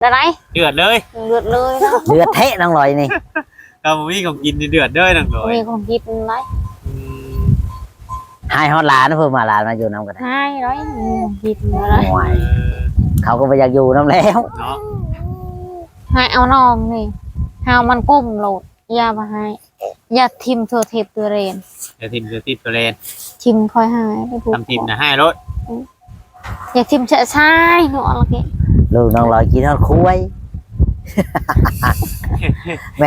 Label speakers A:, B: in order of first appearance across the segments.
A: อะไร
B: เดือดเลย
A: เลือดเลยเนาะ
C: เดือดเทะน้องลอยนี่
B: เรามีของกินเดือดเลยน้องลอย
A: มีของกินไร
C: ให้ฮอดหลานเพิ่มมาหลานมาอยู่น้ำกัน
A: ให้ไรกินอะไร
C: เขาก็ไปอยากอยู่น้ำแล้ว
B: เนาะ
A: ให้เอาน้องนี่หามันก้มโหลดยามาให้ยาทิมเธอเทปตัวเรน
B: จะทิมจะติดตัวเลน
A: ทิมคอยหาย
B: ทำทิมนะให้รถ
A: อยากทิมเฉะใช่หนูอะไรเงี้ย
C: ลูกน้องลอยกินทอดคุ้ยแม่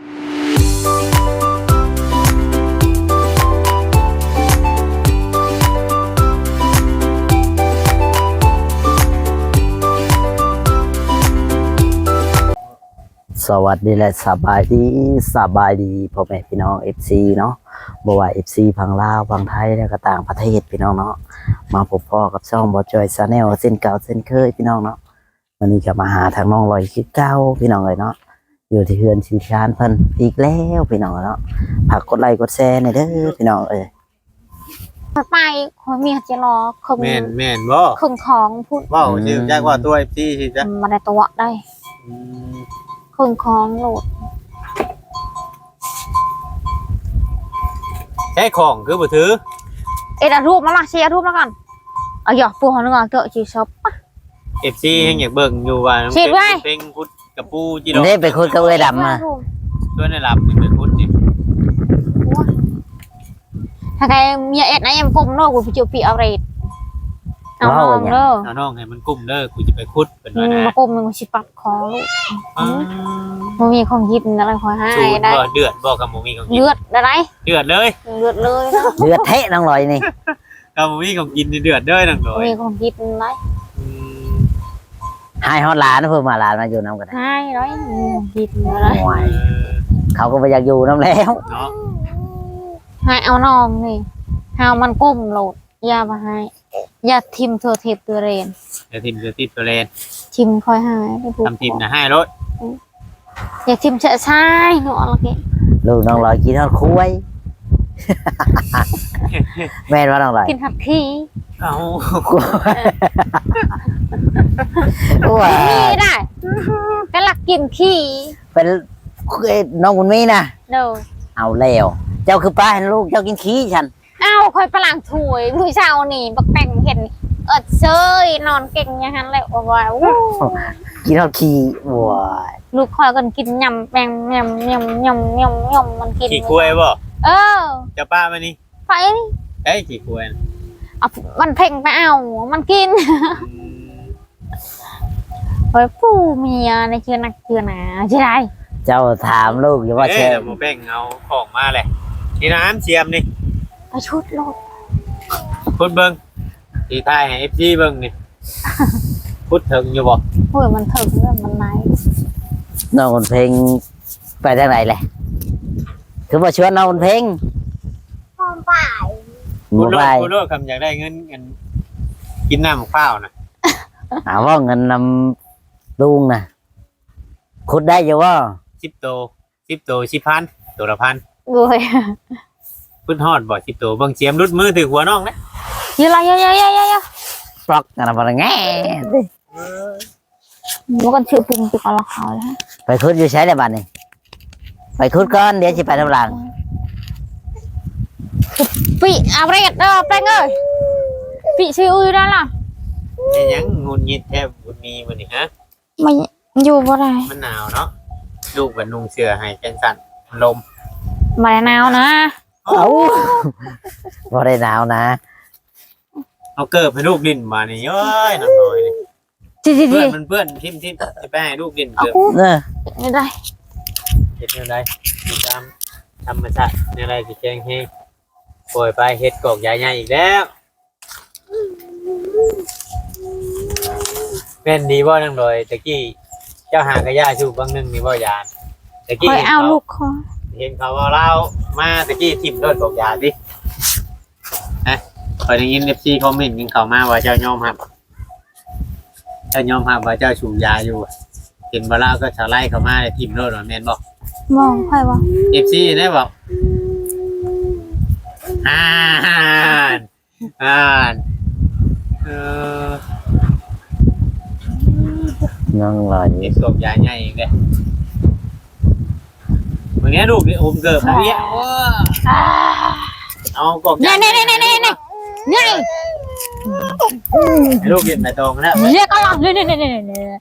C: สวัสดีและสบายดีพ่อแม่พี่น้อง FC เนาะบ่ว่า FC พังลาวพังไทยแล้วก็ต่างประเทศพี่น้องเนาะมาพบพ่อกับช่องบ่จอยชาแนลเส้นเก่าเส้นเคยพี่น้องเนาะวันนี้จะมาหาทางน้องลอยคือเก่าพี่น้องเลยเนาะอยู่ที่เฮือนชีชานเพิ่นอีกแล้วพี่น้องเนาะฝากกดไลค์กดแชร์หน่อยเด้อพี่น้อง
A: ไปคอยมีจะรอคง
B: แม่นบ่
A: คงของพูด
B: ว้าวชื่อแจ้งว่าตัว FC สิจ๊ะ
A: มาได้ตัวได้คงของโหลด
B: ใช้ของคือบ่ถือ
A: เอ็ดรูปมาละเชียร์รูปแล้วกันเอาหยอกปูหันงอเกาะจีช็อป
B: FC ยังอยากเบิ่งอยู่ว่าเป็นคุดกับปูจีดอก
C: นี่ไปคุดกับเอ้ยดำมา
B: ตัวในลำนี่ไปคุดนี่
A: ถ้าใครมีเอ็ดนะยังกุมโน่กูไปจูปีเอาเรดเอาน้องเด้อ
B: เอาน้องให้มันกุ้มเด้อกูจะไปคุดเป็นว่านะ
A: มากุมมันชิปัดคอลูกมันมีของยิบอะไรคอยให้ได้
B: เดือดบอกกับหมูมีของกิน
A: เลือดอะไร
B: เดือดเลย
A: เลือดเลย
C: เดือดเทะน้องลอยนี่
B: กับหมูมีของกินเดือดเลยน้องลอย
A: มีของยิบอะไร
C: ให้ฮอดหลานเพิ่มมาหลานมาอยู่น้ำกัน
A: ให้ร้อยยิบอะไร
C: เขาก็ไปอยากอยู่น้ำแล้ว
B: เนาะ
A: ให้เอาน้องนี่หามันก้มโหลดยามาให้ยาทิมเธอเทปตัวเรน
B: จะทิมจะติดตัวเลน
A: ทิมคอยหาย
B: ทำทิมนะให้รถ
A: อยากทิมเฉะใช่หนูอะไรเงี้ย
C: ลูกน้องลอยกินทอดคุ้ยแม่ว่าน้องลอย
A: กินหัดขี้
B: เอา
A: ขี้ได้ก็หลักกินขี้
C: เป็นน้องคุณมี่นะ
A: เด้อ
C: เอาแล้วเจ้าคือป้าเห็นลูกเจ้ากินขี้ฉัน
A: เอาคอยประหลังถวยผู้ชาวนี่บักแต่งเห็นเซยนอนเก่งอย่างนั้นเลยว้าว
C: กินทอดขี้ว้า
A: ลูกคอยกันกินยำแปงยำมันกิน
B: ขี้คุยบ่จะป้ามานี่
A: ไป
B: เอ้ยขี้คุย
A: มันเพ่งไปเอามันกินเฮ้ยผู้เมียในเชื่อนักเชื่อหนาใช่ไหม
C: เจ้าถามลูกอยู่ว่า
B: เช่หมูแป้งเอาของมาเลยนี่น้ำเชียมนี่
A: ไปชุดโลด
B: พุดเบิ้งตีท้ายให้FGเบิ้งนี่พุดถึงอยู่บ่
A: โอ้ยมันถึงเรื่องมันไหน
C: น้องคนเพลงไปทางไหนเลยคือว่าชวนน้องคนเพลง
A: พร้อมไป
B: พุดโลดคำอยากได้เงินกินน้ำข้าวนะ
C: หาว่าเงินนำลุงนะคุดได้อยู่ว่า
B: 10 โต10,000ตัวละ1,000
A: โอ้ย
B: พุดฮอดบ่10 โตเบิ่งเสียมรุดมือถือหัวน้องนะ
A: เยอะ
C: ปลอกกันอะไรแง่
A: มันก็ชื่อปุ่มติดกับเราเขาแล้ว
C: ไปคุดอยู่ใช้ในบ้านนี่ไปคุดก่อนเดี๋ยวจะไปทำหลัง
A: ปีเอาไปกันไปเงยปีชื่ออุ้ยได้ล่ะ
B: ยังงุนงิดแทบบุญมีมันนี่ฮะ
A: ไม่อยู่บ่ได้
B: มันหนาวเนาะลูกกับนุ่งเสื้อให้จังสั่นลม
A: มาหนาวนะ
C: เอาบ่ได้หนาวนะ
B: เอาเกิบให้ลูกดินมานี่เอ้ยน้ำน้อยเพื่อนมันเพื่อนทิมจะไปให้ลูกดินเกิบ
A: ไม่ได้
B: เฮ็ดอะไรตามธรรมชาติอะไรสิแจ้งให้ปล่อยไปเฮ็ดกอกใหญ่ๆอีกแล้วเป็นดีบ่นั่งเลยตะกี้เจ้าหากระยาชูบางนึงนี่บ่ยานตะกี้
A: เอาลูกคอ
B: เห็นเขาว่าเรามาตะกี้ทิมรถกอกยาดิฮะพอได้ยิน FC คอมเมนต์กันเข้ามาว่าเจ้ายอมรับว่าเจ้าชูยาอยู่เห็นว่าเราก็ชาวไร่เข้ามาในทิมรถแม่นบ่
A: มองใครวะ
B: FC ได้บอกอ่าน
C: นั่งรออยู่
B: เด็กสวมยาใหญ่อีกเลยวันนี้ลูกนี่อมเกิบมาเนี้ยเอากอก
A: เนี่ยเนี่ยเนี่ยเนี่ยเนี่ยเนี่ย
B: ลูกกินไปตรงแล้ว
A: เนี่ยก็ลองเนี่ยเนี่ยเนี่ยเนี่ย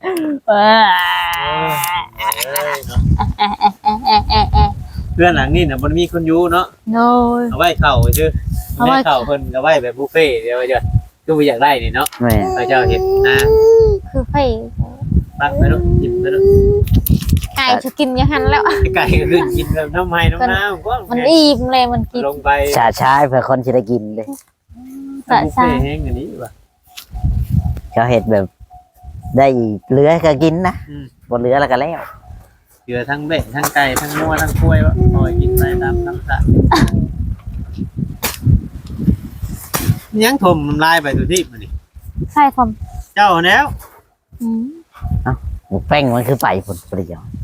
B: เพื่อนหลังนี่นะมันมีคนอยู่เนาะ
A: โน้ย
B: เอาไว้เข่าชื่อเอาไว้เข่าเพิ่นเอาไว้แบบบุฟเฟ่เดี๋ยวเดี๋ยวคืออยากได้นี่เนาะ
C: แม่
B: พระเจ้าเห็นนะ
A: คือไฟ
B: ปักไปลูกกินไปลูก
A: ไก่จะกินยังหันแล้ว
B: ไก่ก็คือกินแบบน้ำไม้น้ำน้ำก็
A: มันอิ่มเลยมันกิน
B: ลงไป
C: ชาชายเพื่อคนที่ได้กินเลย
A: สะ
B: บุฟ
A: ใจ
B: เฟ่แห้งอันนี้ว่ะ
C: เขาเห็ดแบบ ได้เหลือก็กินนะบนเหลือแล้วก็แล้ว
B: เกลือทั้งเบ็ดทั้งไก่ทั้งงัวทั้งกล้วยวะคอยกินไปตามน้ำสะยังถมน้ำลายไปตัวที่มันนี่
A: ใช่ผม
B: เจ้าแล้ว
C: หมูแป้งมันคือไปผลประโยชน์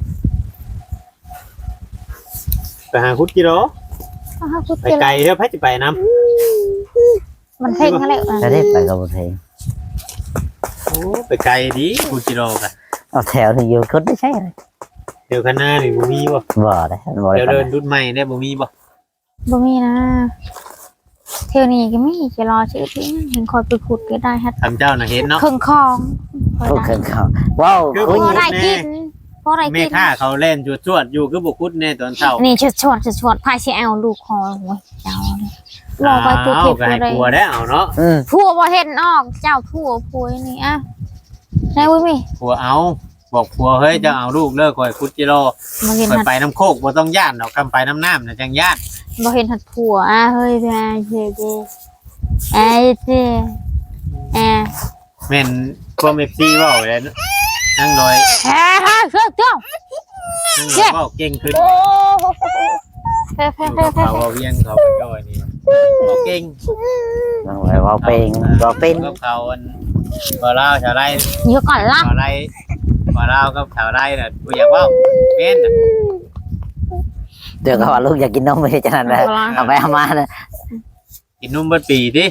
B: ไปหาคุดกิโล
A: พูด
B: ไปไกลเท่าพัดจะไปน้
A: มันเพ่งอะไร
C: จะได้ไปกับเพลง
B: ำโอ้ไปไกลดีคุดกิโลกัน
C: เอาแถวนี่อยู่คนได้ใช่เลย
B: เดี๋ยวข้างหน้านี่บ่มีบ่
C: บ่ได้บ่
B: เดี๋ยว
C: ได้
B: เดินรุ่นใหม่ได้บ่มีบ่
A: บ่มีนะเที่ยวนี้ก็มีจะรอชื่อที่เห็นคอยไปขุดก็ได้ฮะ
B: ทำเจ้าน่ะเห็นเนาะ
A: เครื่องคอง
C: โอ้เครื่องเขาว้าว
B: คือ
C: คุย
A: พอได้กินพอได้
B: แม่
A: กิน
B: ค้าเขาเล่นจวดๆอยู่คือบ่คุดแน่ตอนเช้า
A: นี่ชวนพายเสียเอาลูกคอโอ้ยเจ้าเลยรอไปตัว
B: อ้า
A: เก็
B: ว
A: บ
B: ก็ให้
A: อะไร
B: กลัวได้เอาเนาะ
A: ผัวบ่เห็นออกเจ้าผัวนี่อ่ะไหนวุ้ยมี
B: กลัวเอาบอกผัวเฮ้ยจะเอาลูกเลิกคอยคุดกิโล
A: บ่เห็น
B: คอย
A: หัด
B: ไปน้ำโคกบ่ต้องย่านดอกคำไปน้ำน้ำน่ะจังย่าน
A: บ่เห็นหัดผัวอ่ะเฮ้ยเจ้าเจ้ไอ้เจ้แอะ
B: แม่นพวก FC เว้าเลยนั่งลอย
A: แอะเจ้า
B: นั่งลอยเว้าเก่งขึ้น
A: โอ้เฟ่
B: เขาเอาเวียงเขาไปจอยนี่เว้าเก่ง
C: นั่งไว้ว่าเป็นว่าเป็น
B: กับเขาอันบ่ลาวชาวไร่
A: เดี๋ยวก่อนล่ะ
B: ชาวไร่บ่ลาวกับชาวไร่น่ะบ่อยากเว้าแม่นน่ะ
C: เดี๋ยวก็ว่าลูกอยากกินนมไม่ใช่จังนั้นเลยเอาไปเอามาเลย
B: กินนมเบิดปีติ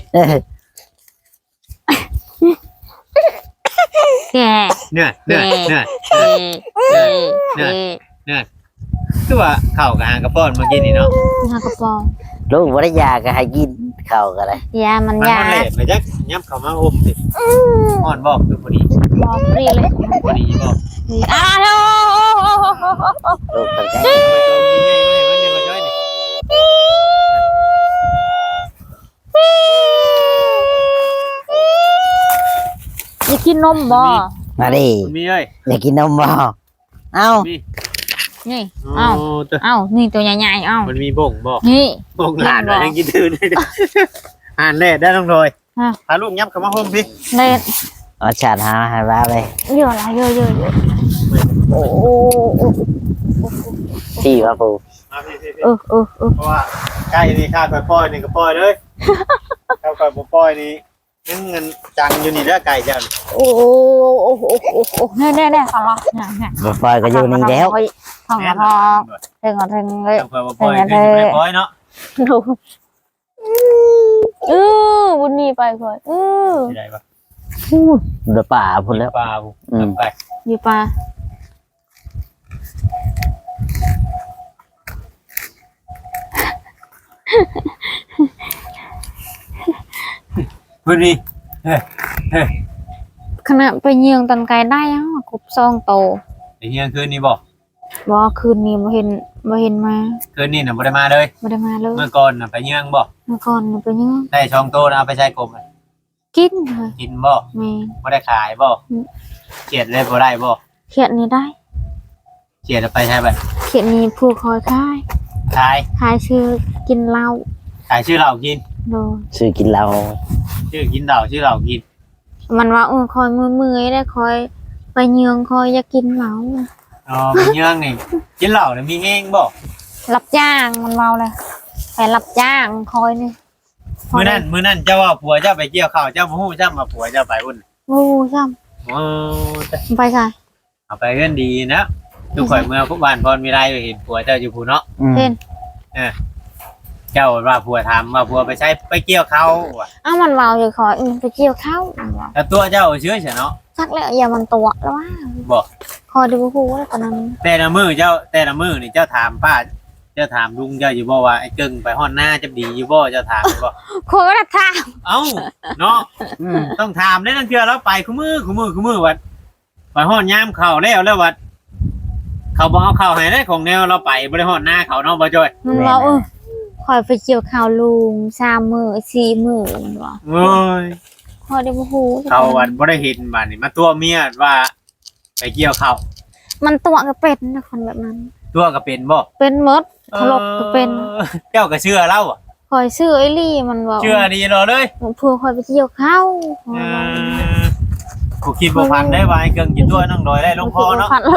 A: แก
B: เหนื่อย คือว่าข้าวกับหางกระป้อนเมื่อกี้นี่เนาะ
A: หากระปอง
C: ลูกว่าได้ยาก็ให้กินข้าวก็ได้
A: ยามัน
B: มัน
A: ยา
B: มันเละไปจักย้ำเข้ามาอมสิอ่อนบอกคือพอดี
A: บอกฟรีเลย
B: พอดีบอก
A: อ้าว
C: ลูกตั้งใจ
B: ไปตัวนี้ง่ายๆวันนี้มาช่วยนี่
A: อยากกินนมบ่
C: มาดิ
B: มันมีเอ้ย
C: อยากกินนมบ่เอ้า
B: มี
A: นี่
B: โอ้
A: เอ้า
B: ตัว
A: เอ้านี่ตัวใหญ่ๆเอ้า
B: มันมีบ่งบอก
A: นี่
B: บ่งหลานเลยยังกินตื่นเลยอ่านแน่ได้ต้องโดย
A: ฮะ
B: พาลูกยับเข้ามาห่มพี่
A: เล่น
C: เอาชาติหาให้บ้าเลย
A: เยอะละเยอะโอ้
C: ที่ว่าปู
B: มาพี่
A: เออ
B: เพราะว่าใกล้นี่ข้าคอยปล่อยนี่ก็ปล่อยเลยข้าคอยบ่ปล่อยนี่ยังเงินจังอยู่นี่เด้อไก่จัง
A: โอ้แน่ขอร้องเนี่ย
C: บ่ปล่อยก็อยู่นี่แล้ว
A: ของกระทองถึงเลย
B: ข้าคอยบ่ปล่อยคือไม่ปล่อยเนาะ
A: ดูบุญนี่ไปก่อน
B: สิได้ปะ
C: เดือป่าพุ่นแล้ว
B: ปลาบุกไป
A: อยู่ปลา
B: พื้นนี่เฮ้ย
A: ขณะไปเยืองตันไกลได้ฮะกบซองโต
B: ไอ้เฮียคืนนี้บอก
A: บ่คืนนี้บ่เห็นมา
B: คืนนี้น่ะบ่ได้มาเลย
A: ไม่ได้มาเลย
B: เมื่อก่อนน่ะไปเยื่องบอก
A: เมื่อก่อนไปเยือง
B: ได้ช่องโตนะเอาไปใช้กลมอะ
A: กินเลย
B: กินบ่
A: แม่
B: บ่ได้ขายบ่เขียดเลยบ่ได้บ่
A: เขียดนี้ได้
B: เขียดเอาไปใช้ไป
A: เขียดนี้ผู้คอยขาย
B: ขาย
A: ขายชื่อกินเหล้า
B: ขายชื่อเรากิน
A: โดย
C: ซื้อกินเหล้า
B: ชื่อกินเหล้าชื่อเรากิน
A: มันว่าคอยมือได้คอยไปเยืองคอยอยากกินเหล้า
B: อ๋อไปเยื่องนี่กินเหล้าเนี่ยมีแห้งบ่
A: รับจ้างมันเมาเลยไปรับจ้างคอยนี่
B: มื้อนั้นเจ้าว่าผัวเจ้าไปเกี่ยวข้าวเจ้าบ่ฮู้จ้ามาผัวเจ้าไปอุ่น
A: โอ้ช่
B: โอ้
A: ำไปค่ะ
B: เอาไปเรื่องดีนะทุกข่อยเมื่อพวกบ้านพรมีไรเห็นผัวเจ้าอยู่ผู้เนาะ
A: เห็น
B: เจ้าว่าผัวถามว่าผัวไปใช้ไปเกี่ยวเขาว่ะ
A: อ้าวมันเมาอยู่คอยไปเกี่ยวข้าวมันว่า
B: แล้วตัวเจ้าเชื่อเฉยเนาะ
A: จักแล้วอย่ามันตัวแล้วว่า
B: บอก
A: คอยดูฮู้แล้วตอนนั้น
B: แต่ละมือนี่เจ้าถามป้าเจ้าถามลุงเจ้าอยู่บ่ว่าไอ้เกิงไปฮ้อนหน้าจะดีอยู่บ่เจ้าถามบ่
A: คอยก็ถาม
B: เอ้าเนาะ
C: อืม
B: ต้องถามได้นั่นคือเราไปคู่มือวัดไปฮ้อนยามเข้าแล้ววัดเขาบ่เอาเข้าให้ได้ของแนวเราไปบ่ได้ฮ้อนหน้าเขาเนาะบ่จ้อย
A: มันว่าคอยไปเกี่ยวข้าวลุง3 มื้อ4 มื้อมันว่า
B: โอ้ย
A: คอยดูฮู้
B: เขาวัดบ่ได้เห็นบัดนี้มาตัวเมียว่าไปเกี่ยวข้าว
A: มันตัวก็เป็นนะคนแบบนั้น
B: ตัวก็เป็นบ่
A: เป็นหมดถลกก็เป็น
B: เจ้าก็เชื่อเราอ่ะ
A: คอยซื้อไอ้ลี่มันว่า
B: เชื่อดีรอเลย
A: เพื่อคอยไปเกี่ยวข้าว
B: กูคิดบ่พันได้ว่าไอ้เกิงกินตัวน้องดอยได้ลงคอเนาะ
A: พันเลย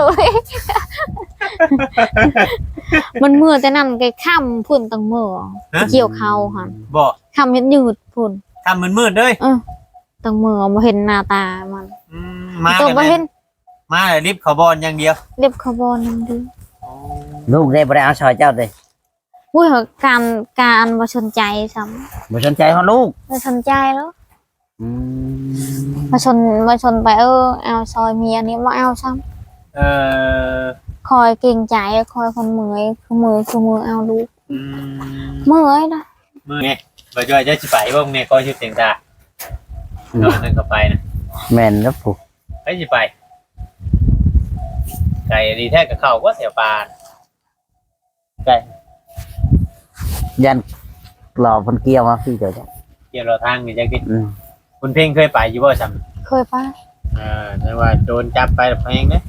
A: มันมือแต่นั่นไกค่ำพุ่นตั้งมือเกี่ยวข้าวค่ะ
B: บ่
A: ค่ำเฮ็ดยืดพุ่น
B: ทำมืดๆเด้ย
A: ตั้งมือบ่เห็นหน้าตามัน
B: มา
A: ตัวบ่เห็น
B: มาเลยรีบเขาบอลอย่างเดียว
A: เรียบคาร์บอนนั่นดิ
C: ลูกได้บ่ได้เอาซอยเจ้าเลย
A: อุ้ยการบ่สนใจซ้ำ
C: บ่สนใจเฮาลูก
A: บ่สนใจแล้ว
C: อืม
A: มาชนไปเอาซอยเมียนี้บ่เอาซ้ำ
B: เออ
A: คอยเกรงใจคอยคนเมื่อยคือมือเอาลูก
B: อืม
A: เมื่อยนะ
B: มือไงบ่จอยจะสิไปบ่มึงเนี่ยก็ชื่อเสียงตาเนาะนั่นก็ไปนะ
C: แม่นแล้วผูก
B: ไปสิไปไก่ดีแท้กับเขาก็แถวปานไก่
C: ยันหล่อเพิ่นเกี่ยวมาพี่เจ้าจ้ะ
B: เกี่ยวเราทางนี่จังดิ
C: อืม
B: คุณเพ่งเคยไปอยู่บ่ซ้ำ
A: เคยปะ
B: แต่ว่าโดนจับไปแล้วเพลงเด้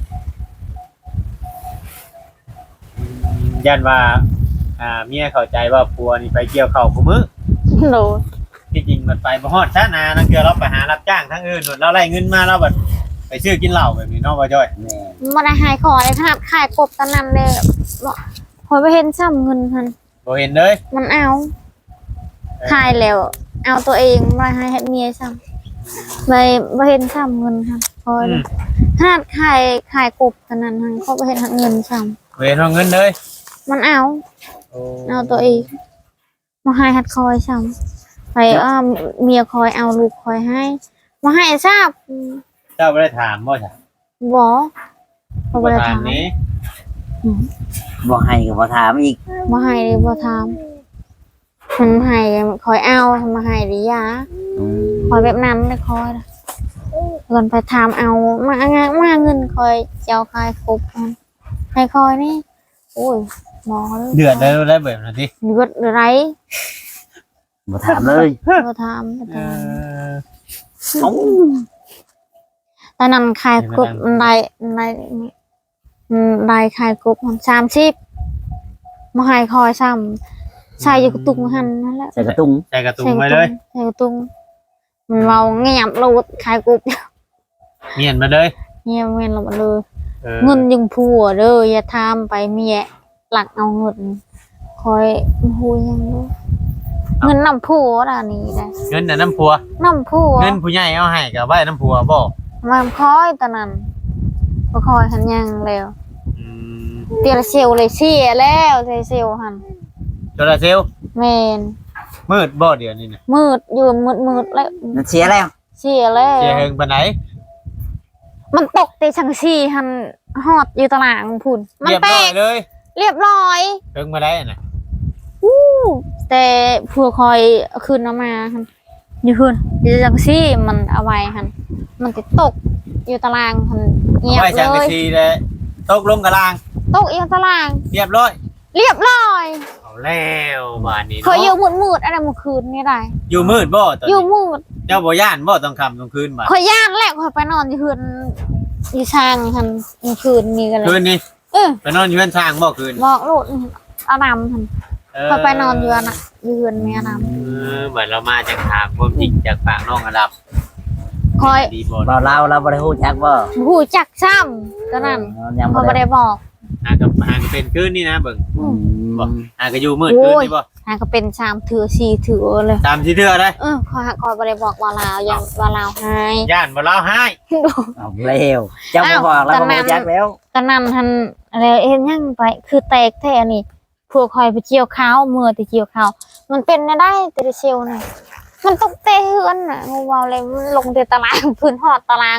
B: ยันว่าเมียเข้าใจว่าผัวนี่ไปเกี่ยวข้าวคู่มื้อ
A: โดน
B: ที่จริงมันไปบ่ฮอดซะนานั่นคือเราไปหารับจ้างทั้งอื่นนู่นเราไล่เงินมาเราแบบไปซื้อกินเหล้าแบบนี้เนาะบ่จ้อย
C: แม่
A: มาได้หายคอเลยครับขายกบตอนนั้นเลยบอกคอยไปเห็นซ้ำเงินพัน
B: บ่เห็นเลย
A: มันเอาขายแล้ว เอาตัวเองมาให้เฮ็ดเมียซ้ำไปเห็นซ้ำเงินครับคอย
B: อืม
A: ขนาดขายกบตอนนั้นพันเขาไปเห็นเงินซ้
B: บ่เห็นเอาเงินเลย
A: ำมันเอาตัวเองมาให้ฮัดคอยซ้ำไปเมียคอยเอาลูกคอยให้มาให้ทราบ
B: เจ้าบ่ได้ถามบ่จ้ะ
A: บอกเขาไป
B: บ่ถา
A: ถาม ม
B: นี้
C: บ่ให้ก็บ่ถามอีก
A: มาให้เลยบ่ทำมันให้คอยเอามาให้หรือยา
C: อืม
A: คอยแบบนั้นเลยคอยนะเงินไปทำเอามาเงินคอยเจ้าคายครบมันให้คอยนี่โอ้ยหมอเลย
B: เดือดได้แบบนั้นดิ
A: เดือดไร
C: บ่ถามเลย
A: บ่ทำ
B: เออ
C: เอ้า
A: ตอนนั้นขายกบได้ขายกบมัน30มาให้คอยซ้ำใส่อยู่กระตุกหันนั่นแหละ
C: ใส่กระตุ้ง
B: ใส่กระตุ้งไว้เลย
A: ใส่กระตุงมันเราเงียบเราขายกบ
B: เมียนมาเลย
A: เงียบเงินเราเลย
B: เออ
A: เงินยังผัวเด้ออย่าทำไปเมียหลักเอาเงินคอยหูยังเด้อเงินน้ำผัวด่านี้ได้
B: เงินน่ะน้ำผัว
A: น้ำผัว
B: เงินผู้ใหญ่เอาให้ก็ไว้น้ำผัวบ่
A: มันคอยตอนนั้นก็คอยหันยังแล้ว
B: อืม
A: เตียละเซลเลยเสียแล้วเซลหัน
B: โซลาร์เซลล์
A: เมน
B: มืดบ่เดี๋ยวนี้น่ะ
A: มืดอยู่มืดแล้ว
C: มันเสียแล้ว
A: เสียแล้ว
B: เสียเฮิงปานไหน
A: มันตกแต่ชังซี่หันฮอดอยู่ตารางพุ่นมัน
B: เรียบ
A: แต
B: ร้อย
A: ก
B: เลย
A: เรียบร้อย
B: เฮิงมาได้น่ะ
A: แต่เพื่อคอยเอาคืนเอามาหันอยู่คืนอยู่จังซี่มันเอาไว้หันมันจะตกอยู่ตารางหันเงียบ
B: ไว้
A: เล
B: ช่างกะ
A: ย
B: ซีเลยตกลงกะลาง
A: ตกอยู่ตาราง
B: เรียบร้อย
A: เรียบร้อย
B: เอาแล้วบ้านนี้
A: เคยอยู่
B: เนาะ
A: มืดอะไรเมื่อคืนนี่ได้
B: อยู่มืดบ่ตอน
A: อยู่
B: นี้
A: มืด
B: เจ้าบ่ย่านบ่ต้องค่ำต้องคืนบ่
A: คอยย่านแหละคอยไปนอนอยู่คืนอยู่ช่างหันเมื่อคืนนี่กันเล
B: คื
A: ย
B: นนี้
A: เออ
B: ไปนอนอยู่บ้านช้างบ่คืน
A: บอกโลดอารามหันคอยไปนอนอยู่อันน่ะอยู่คืนมีอาราม
B: เหมือนเรามาจากถามความจริงจากปากน้องอดับ
A: คอย
B: ดีบ่
C: บ่เราบ่ได้ฮู้จักบ่
A: หูจักซ้ำก็นั่น
C: ยัง
A: คอย
C: บ่
A: ไม่
C: ได้
A: ได้บอก
B: หากเป็นคืนนี่นะเบิ่ง
C: อืม
B: บ่หากอยู่มืดคืนนี่บ่
A: หาก็เป็นชามถือชีถือเลย
B: ตามที่เทื่อได้
A: คอยไม่ได้บอกว่าลาวยังว่าลาวให้
B: ย่านบ่เล่าให้
C: เอาแล้วเจ้าบ่บอกแล้วก็บ่รู้จักแล้ว
A: ก็นั่นทันอะไรยังไปคือแตกแท้นี่พวกคอยไปเกี่ยวข้าวมือไปเกี่ยวข้าวมันเป็นได้แต่เชลน่ะมันตกเตะเฮือนน่ะงูเบาเลยมันลงเตะตารางพื้นหอดตารางแต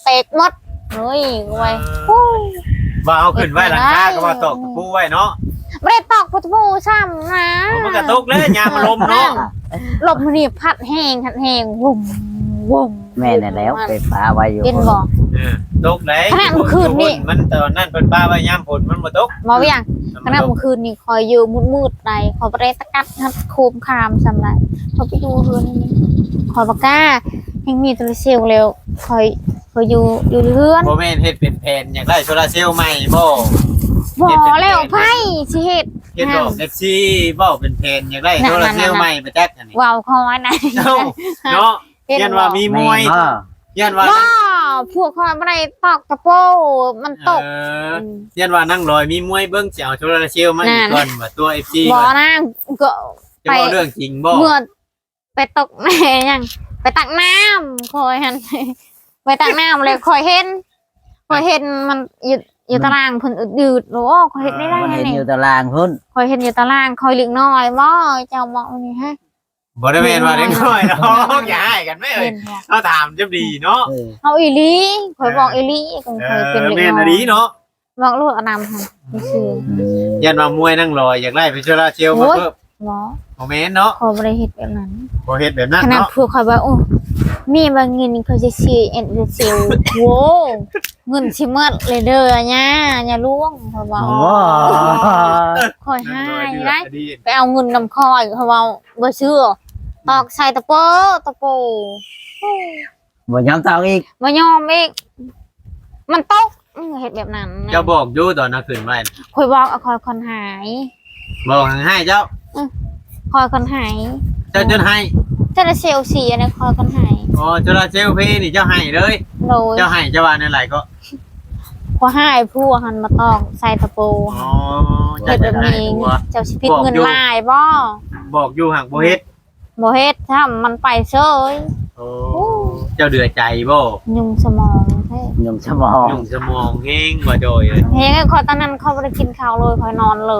A: ตกหมดเฮ้ยไว้
B: ว่าเอาขึ้นไว้หลังคาก็ว่าตกตะปูไว้เนาะ
A: ไม่ได้ตอกประตูซ้ำนะ
B: มันก็ตกแล้วยามมันลมเนาะ
A: ลมนี่พัดแห้งวุ่มวุ่ม
C: แม่น่ะแล้วไปฟ้าไว้อยู่
A: กินบ่
B: ตกไหน
A: ขนาดเมื่อคืนนี่
B: มันตอนนั้นเป็นป้าว่ายามฝนมันบ่ตก
A: มาเวียงขณะเมื่อคืนนี่คอยอยู่มืดๆใดคอยไปตะกัดทัดโคมคามสำไรคอยไปดูเรือนนี่คอยปากกายังมีตัวเซลล์เร็วคอยอยู่เรือน
B: บ่แม่นเฮ็ดเป็นแผ่นอยากได้โซลาร์เซลล์ใหม่บ่
A: บ่แล้วไพ่สิเฮ็ด
B: เฮ็ดดอกแท็กซี่บ่เป็นแผ่นอยากได้โซลาร์เซลล์ใหม่ไปจักอันนี้
A: ว้าวคอยนะ
B: เอ้าเนาะยันว่ามีมวย
C: แม่นบ่
B: ยันว่า
A: ว้าพวกคอยไม่ได้ตอกตะโปมันตก
B: ยันว่านั่งลอยมีมวยเบิ่งสิเอาโซลาร์เซลล์มาอีกก่อนว่าตัว FC
A: บ่
B: ว่า
A: นะก็
B: จะบ่เรื่องจริงบ่
A: เมื่อไปตกแม่ยังไปตักน้ำคอยหันไปตักน้ำเลยคอยเห็นมันอยู่ตารางเพิ่นอืดๆโอ้คอยเห็นได้
C: มัน
A: ไง
C: เห็น
A: นี่
C: อยู่ตารางพุ่น
A: คอยเห็นอยู่ตารางคอยเล็กน้อยบ่เจ้าบอกนี่ฮะ
B: บ่ได้แม่นว่าเด็กน้อยเนาะอย่าให้กันแม่เอ้
A: เห็
B: ย
A: นบ่
B: เอาถามจะดีเนาะ
A: เอาอีหลีคอยบอกอีหลีคอยเป็นเล็ก
B: แม่น
A: น้
B: อะ
A: อ
B: ดี
A: ย
B: เนาะ
A: บอกลูกอนามหั่นซื่อ
B: ยันว่ามวยนั่งลอยอยากได้เป็นโซลาร์เซลล์มาเพิ่ม
A: บ่
B: บ่แม่นเนาะ
A: คอยบ่ได้เฮ็ดแบบนั้น
B: บ่เฮ็ดแบบนั้น
A: ขนาด
B: เนาะ
A: พวกคอยว่าโอ้มีบางเงินเขาจะซื้อเอ็นเซลโว้เงินสิหมดเลยเด้อเนี่ยอย่าล่วงคอยว่า
C: โอ้
A: คอยให้
B: นั่งล
A: ได้
B: อยดี
A: ไปเอาเงินนำคอยเขาว่าบ่ซื้อตอกใส่ตะโปโอ้
C: บ่ยอมตอกอีก
A: บ่ยอมอีกมันตกเฮ็ดแบบนั้น
B: เจ้าบอกอยู่ตอนน่ะขึ้นไว้
A: คอยบอกเอาคอยคนหาย
B: บอกให้เจ้า
A: คอยคนหาย
B: เจ้าจนให้
A: เจ้าเซลสีอันนี้คอยคนหาย
B: อ๋อโซลาร์เซลล์เพนี่เจ้าให้เลย
A: โดย
B: เจ้าให้เจ้าว่าในไรก็
A: พอหายผู้หันมาตอกใส่ตะโป
B: อ๋อ
A: เฮ็ดแบบนี้เองเจ้าสิผิดเงินลายบ่
B: บอกอยู่ห่างบ่เฮ็ด
A: บ่เฮ็ดถ้ามันไปเซย
B: โอ้เจ้าเดือดใจบ่
A: ยุ่งสมองแท้
C: ยมสมอง
B: ยุ่งสมองเฮงบ่โดยเลย
A: เฮ้ยขอตอนนั้นเขาบ่ได้กินข้าวเลยคอยนอนเลย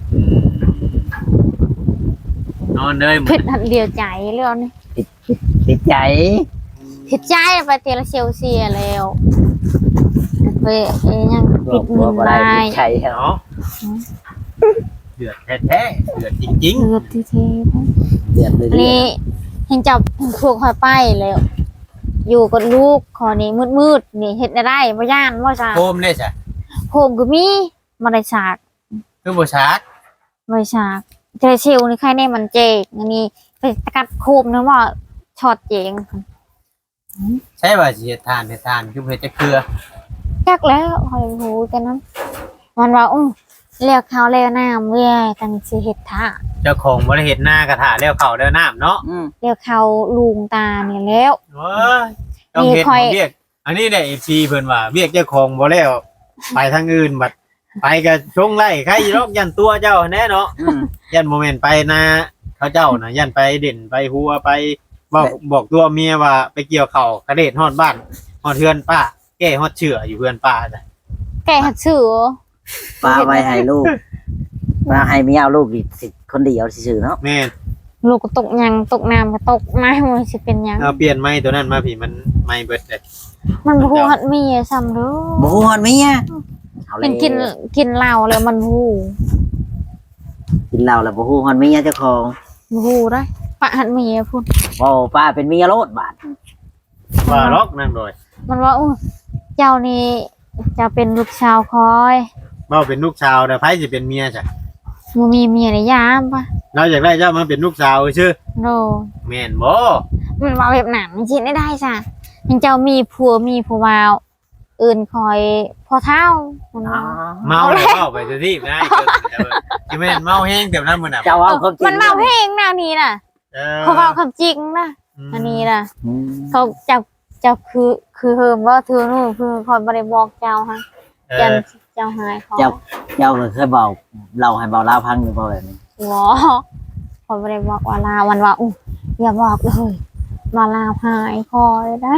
B: นอนเลยหม
A: ผิ
B: ด
A: ดอันเดียวใจเรื่องนี้
C: ติดใจ
A: ผิดใจไปเตละเซลเซียแล้วไปยังผิด
C: กลั
A: เงิ
C: วน บ่ได้
A: ลาย
C: ติดใจ
B: เนาะเดือดแท้ๆเดือดจริง
A: เลือดที่เท
C: เดือดเลย
A: นี่เห็นจับพวกคอยไปแล้ว อยู่กับลูกขอนี้มืดๆนี่เฮ็ดได้บ่ย่านบ่จ้า
B: ๆโคมได้จ้ะ
A: โคมก็มีบ่ได้ฉาก
B: คือบ่ชาร์จ
A: บ่ได้ฉากเจเซลนี่ใครแน่มันเจกอันนี้ไปตะกัดโคมนะว่าช็อตเจง
B: ใช่ว่าสิเฮ็ดทานคือเฮ็ดจะเกลือ
A: จักแล้วคอยหูกันนั้นมันว่าเรียกเขาเรียกน้ำเว้ยตั้งสิเฮ็ดท่า
B: เจ้าของบ่ได้เฮ็ดหน้ากระถาแล้วเข้าแล้วน้ำเนาะ
A: เรียกเขาลุงตาเนี่ยแล้ว
B: โอ้ยต้องเฮ็ดของเวียกอันนี้ได้ FC เพิ่นว่าเวียกเจ้าของบ่แล้วไปทางอื่นบัดไปก็ชงไล่ใครรอกยันตัวเจ้าแน่เนาะยันโมเมนต์ไปนะเขาเจ้านะยันไปเด่นไปหัวไปบอกตัวเมียว่าไปเกี่ยวเข่ากระเด็ดฮอดบ้านฮอดเฮือนป้าแก้ฮอดเชื่ออยู่เฮือนป้าจ้ะ
A: แกหัดสื่อ
C: ป้าไว้ให้ลูกป้าให้เมียเอาลูกอีก10คนเดียวซื่อๆเนาะ
B: แม่น
A: ลูกก็ตกยังตกน้ำก็ตกน้ำมันสิเป็นยัง
B: เอาเปลี่ยนไม้ตัวนั้นมาพี่มันไม้เบิดเลย
A: มันบ่ฮู้หัดมีซ้ำเด้อ
C: บ่ฮู้ฮอดเมียเอาเล
A: เป็
C: ย
A: นกินเหล้าแล้วมันฮู้
C: กินเหล้าแล้วบ่ฮู้ฮอดเมียเจ้าของ
A: บ่ฮู้ได้ปะหัดมีพุ่น
C: โอ้ป้าเป็นเมียโลดบาด
B: ว่าล็อกนั่นโดย
A: มันว่าเจ้านี่จะเป็นลูกชาวคอย
B: เว้าเป็นลูกชาวแต่ไผสิเป็นเมียจ้ะ
A: บ่มีเมียในยามปะ
B: เราอยากได้เจ้ามาเป็นลูกสาวชื่อ
A: โน
B: แม่นบ่
A: มันว่าแบบนั้นจริงได้จ้ะยังเจ้ามีผัวมีผู้บ่าวอื่นคอยพอเท่ามันว่า
B: เมาแล้วเว้าไปซะที่ได้เกินสิแม่นเมาแห้งเต็มนั้นมื้อน่ะ
C: เจ้าเอาความจริง
A: มันเมาเพลงแนวนี้น่ะเขาเมาคำจริงนะอันนี้น่ะ
C: อืม
A: เขาเจ้าคือเฮิมว่าเธอนู่นคือคอยบริบอกเจ้าฮะยันเจ้าหายเขา
C: เจ้าก็เคยบอกเราให้เบาลาวพังอยู่บ่แบบนี้
A: หัวคอยบริบอกว่าลาวันว่าอย่าบอกเลยมาลาหายคอยได้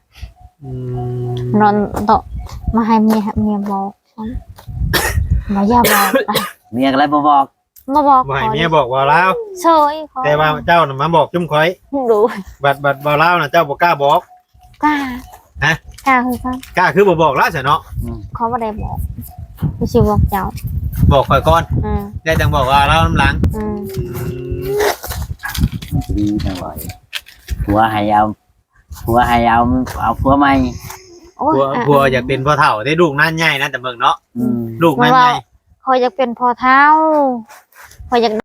A: นอนโตะมาให้เมียบอกฉันมาอย่าบอกไป
C: เมียก็เลยบ่บอก
A: มาบอก
B: บ่ให้เมียบอกว่าลาว
A: เฉยคอย
B: แต่ว่าเจ้าน่ะมาบอกจุ่มข่อย
A: ดู
B: บัดบ่ลาวน่ะเจ้าบ่กล้าบอก
A: กล้ากล้าคือกัน
B: กล้าคือบ่บอกแล้วซะเนาะ
A: เขาบ่ได้บอกไม่ใช่บอกเจ้า
B: บอกข่อยก่อน
A: อืม
B: ได้จังบอกว่าเราน้ำหลัง
A: อืม
C: ดีจังเลยผัวให้เอาผัวให้เอาผัวใหม่
A: โอ้ย
B: ผัวอยากเป็นพ่อเฒ่าได้ลูกนั่นใหญ่นะแต่เบิ่งเนาะ
C: อืม
B: ลูกนั่นใหญ่
A: คอยอยากเป็นพ่อเฒ่าคอยอยาก